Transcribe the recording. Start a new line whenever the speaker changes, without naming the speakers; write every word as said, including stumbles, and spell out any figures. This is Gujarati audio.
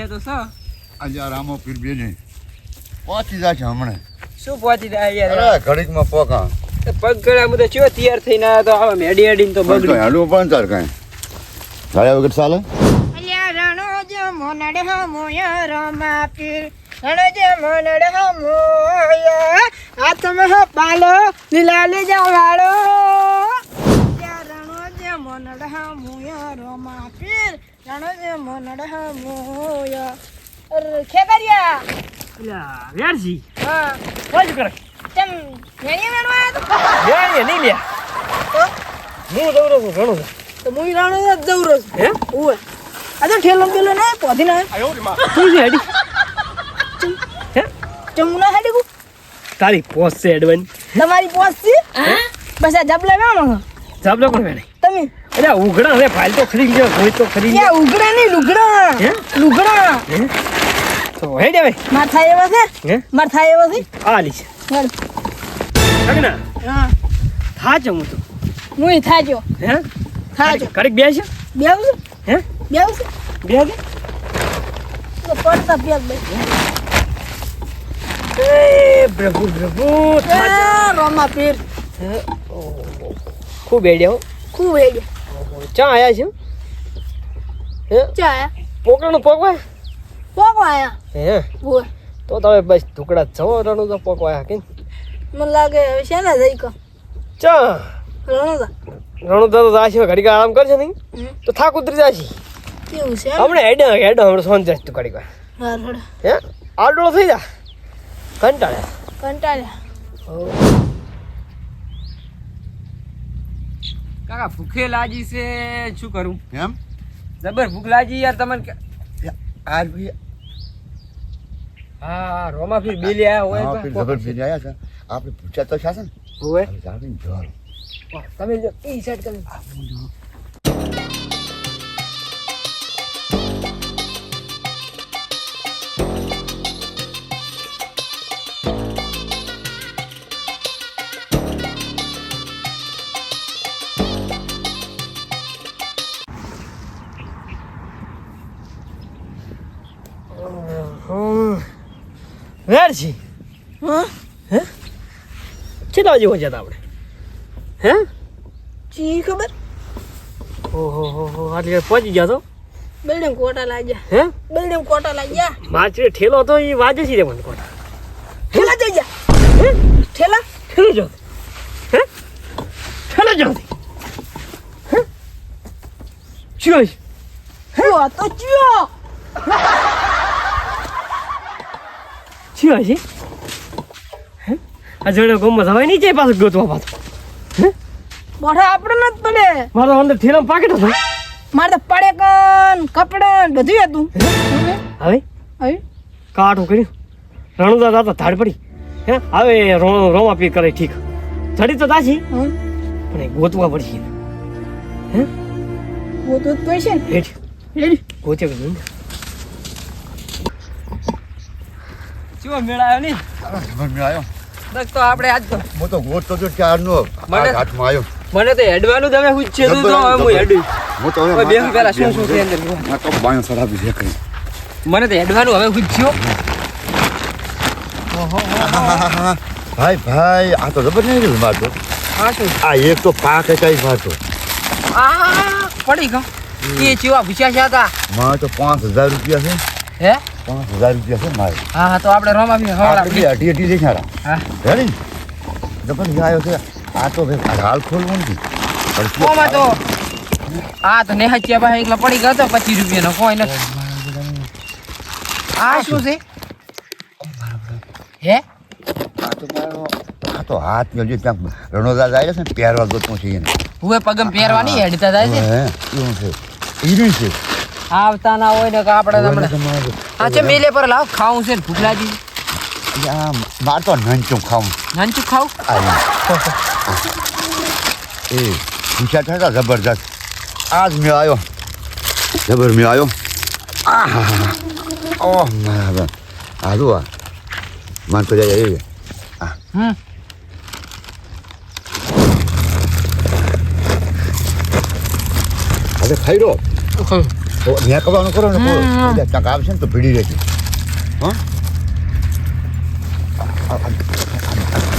બે તો છો
આજે આ રામો પીર બે ને પહોંચી જશે હમણાં.
શું પહોંચી જાય યાર
અરે ઘડીકમાં પોકા
પગ ગળા મુદે ચો તૈયાર થઈને આવ્યો તો આવા મેડી એડીને તો બગડી
હાડું પણ તાર કાંઈ ગાળ્યા વગર ચાલે.
અલ્યા રણો જે મોનડ હમોય રમા પીર રણો જે મોનડ હમોય હાથમાં પાલો લીલાલે જવાળો અલ્યા રણો જે મોનડ હમોય રમા પીર રણો જે મોનડ હમોય અર ખેકરિયા
અલ્યા વેરજી
હા
શું કરે
તમ વેણી વેણવા તો
વેણી નહીં લે
તો
હું દৌરો છું ઘણો
તો મુઈ રણો જ જવરો છું
હે
ઓય આ તો ઠેલો પેલો ના પોધી ના
આયો રે માં શું છે હેડી હે
ચમુના હાડી કો
તારી પોસ છે એડવન
તમારી પોસ છે બસ આ જબલા વેણો
જાબલો કોણ વેણે
તમે
અરે ઉઘડા રે ફાઇલ તો ખરી ગયો હોય તો ખરી
યા ઉગડા નહીં લુગડા
હે
લુગડા
હે તો હેડે હવે
માથા એવા છે
હે
માથા એવા છે
આલી છે
ચાલ
સગના
હા
થાચ હું તો
મુઈ થાજો
હે
થાજો
કડીક બે છે
બેવ છે
હે
બેવ છે
બે કે
તો પડતા પેક ભાઈ
એ પ્રભુ પ્રભુ
એ રોમા પીર
ખૂબ હેડ્યા
ખૂબ હેડ્યો
ચા આયા છે હે
ચાયા
પોકરાનું પોકવા
પોકો આયા
હે
ઓય
તો તમે બસ ટુકડા જવો રણું તો પોકવા કે
મને લાગે હવે શેના જઈ કો
ચા
રણો
રણું તો આશી ઘડીક આરામ કરશે નહીં તો થાક ઉતરી જશે
કેવું છે
હમણાં હેડ હેડ હમણાં સોન જશ તું ઘડીક
હાર હડ
હે આડો થઈ જા કંટાળે
કંટાળ્યા
કાકા ભૂખે લાગી છે શું કરું
એમ
જબર ભૂખ લાગી યાર તમને
આર ભાઈ
હા રોમા ફીર બેલી આયા હોય
હા પીર જબર પીર આયા છે આપણે પૂછ્યા તો છે ને
હોય
હવે જાવીને જોર
તમે જો ઈ સાઈડ તમે વેરજી
હા
હે કેટલા જેવો જતા આપણે હે
ચી ખબર
ઓહો હો હો આટલે પહોંચી ગયા તો
બિલ્ડિંગ કોટા લાગ્યા
હે
બિલ્ડિંગ કોટા લાગ્યા
માછરે ઠેલો તો એ વાજે છે રે મને કોટા
ઠેલા જઈ જા
હે
ઠેલા
ઠેલો જો હે ઠેલો જો હે જોઈ
હું તો ચિયો
જોઈ છે હે આ જોડે ગોમમાં જવાય નહીં જાય પાછું ગોતવા પાછું હે
બોઠા આપણે ન પડે
મારો અંદર ઠેલામાં પાકેટ હતો
મારે તો પડે કન કપડા બધું હતું
હવે
હવે
કાઠું કર્યું રણુદા દાતા ધાડ પડી હે હવે રો- રોમા પી કરે ઠીક ચડી તો તાછી
હમ
પણ એ ગોતવા પડશે હે
वो तो पैसे
હેઠ
रेडी
ગોતે કે નહીં ચો મેળાયો નહીં
જબર મેં આવ્યો
બસ તો આપણે આજ તો
હું તો ગોતતો તો ચારનો
મને-
હાથમાં આવ્યો
મને તો હેડવાનું તમે હું છે તો હવે હું હેડું
હું તો હવે
હવે બે પેલા શું શું છે અંદર
આ તો બાયો સરાબી છે કઈ
મને તો હેડવાનું હવે હું થયો
ભાઈ ભાઈ આ તો જબર નહીં રહ્યું મારતો
હા શું
આ એક તો પાક કઈ મારતો
આ પડી ગયો એ ચેવા ભૂસ્યા છે હતા
મારે તો પાંચ હજાર રૂપિયા છે
હે
પાંચ હજાર રૂપિયા છે મારે
હા હા તો આપણે રોમા બી
આપણે
હવાડા
બે અઢી અઢી દેખાડા
હા
રેડી જબર આવ્યો છે આ તો ભાઈ હાલ ખોલવું નથી
ઓમાં તો આ તો નેહાચ્યા પાસે એકલા પડી ગયો તો પચીસ રૂપિયાનો કોઈ નથી આ શું છે હે
આ તો મારો આ તો હાથ મેળવી ત્યાં રણોદા જાય છે ને પહેરવા ગોતવું છે એને
હુએ પગમ પહેરવાની હેડતા જાય છે
હે એવું છે ઈરી છે
આવતા ના હોય ને કે આપણે હમણાં હા છે મેલે પર લાવ ખાવું છે ભૂખ લાગી
આ માર તો નંચું ખાવું
નાનચું ખાવું
આ એ પૂછ્યા હતા જબરદસ્ત આજ મેં આવ્યો જબર મેં આવ્યો આ ઓહ મારા આ જો આ માન તો જાય એ
હમ
હવે ખાઈ રો તો ત્યાં કરવાનું કરો ને
હમ.
કોઈ ક્યાંક આવશે ને તો ભીડી રહેશે હા આ- આ- આ- આ-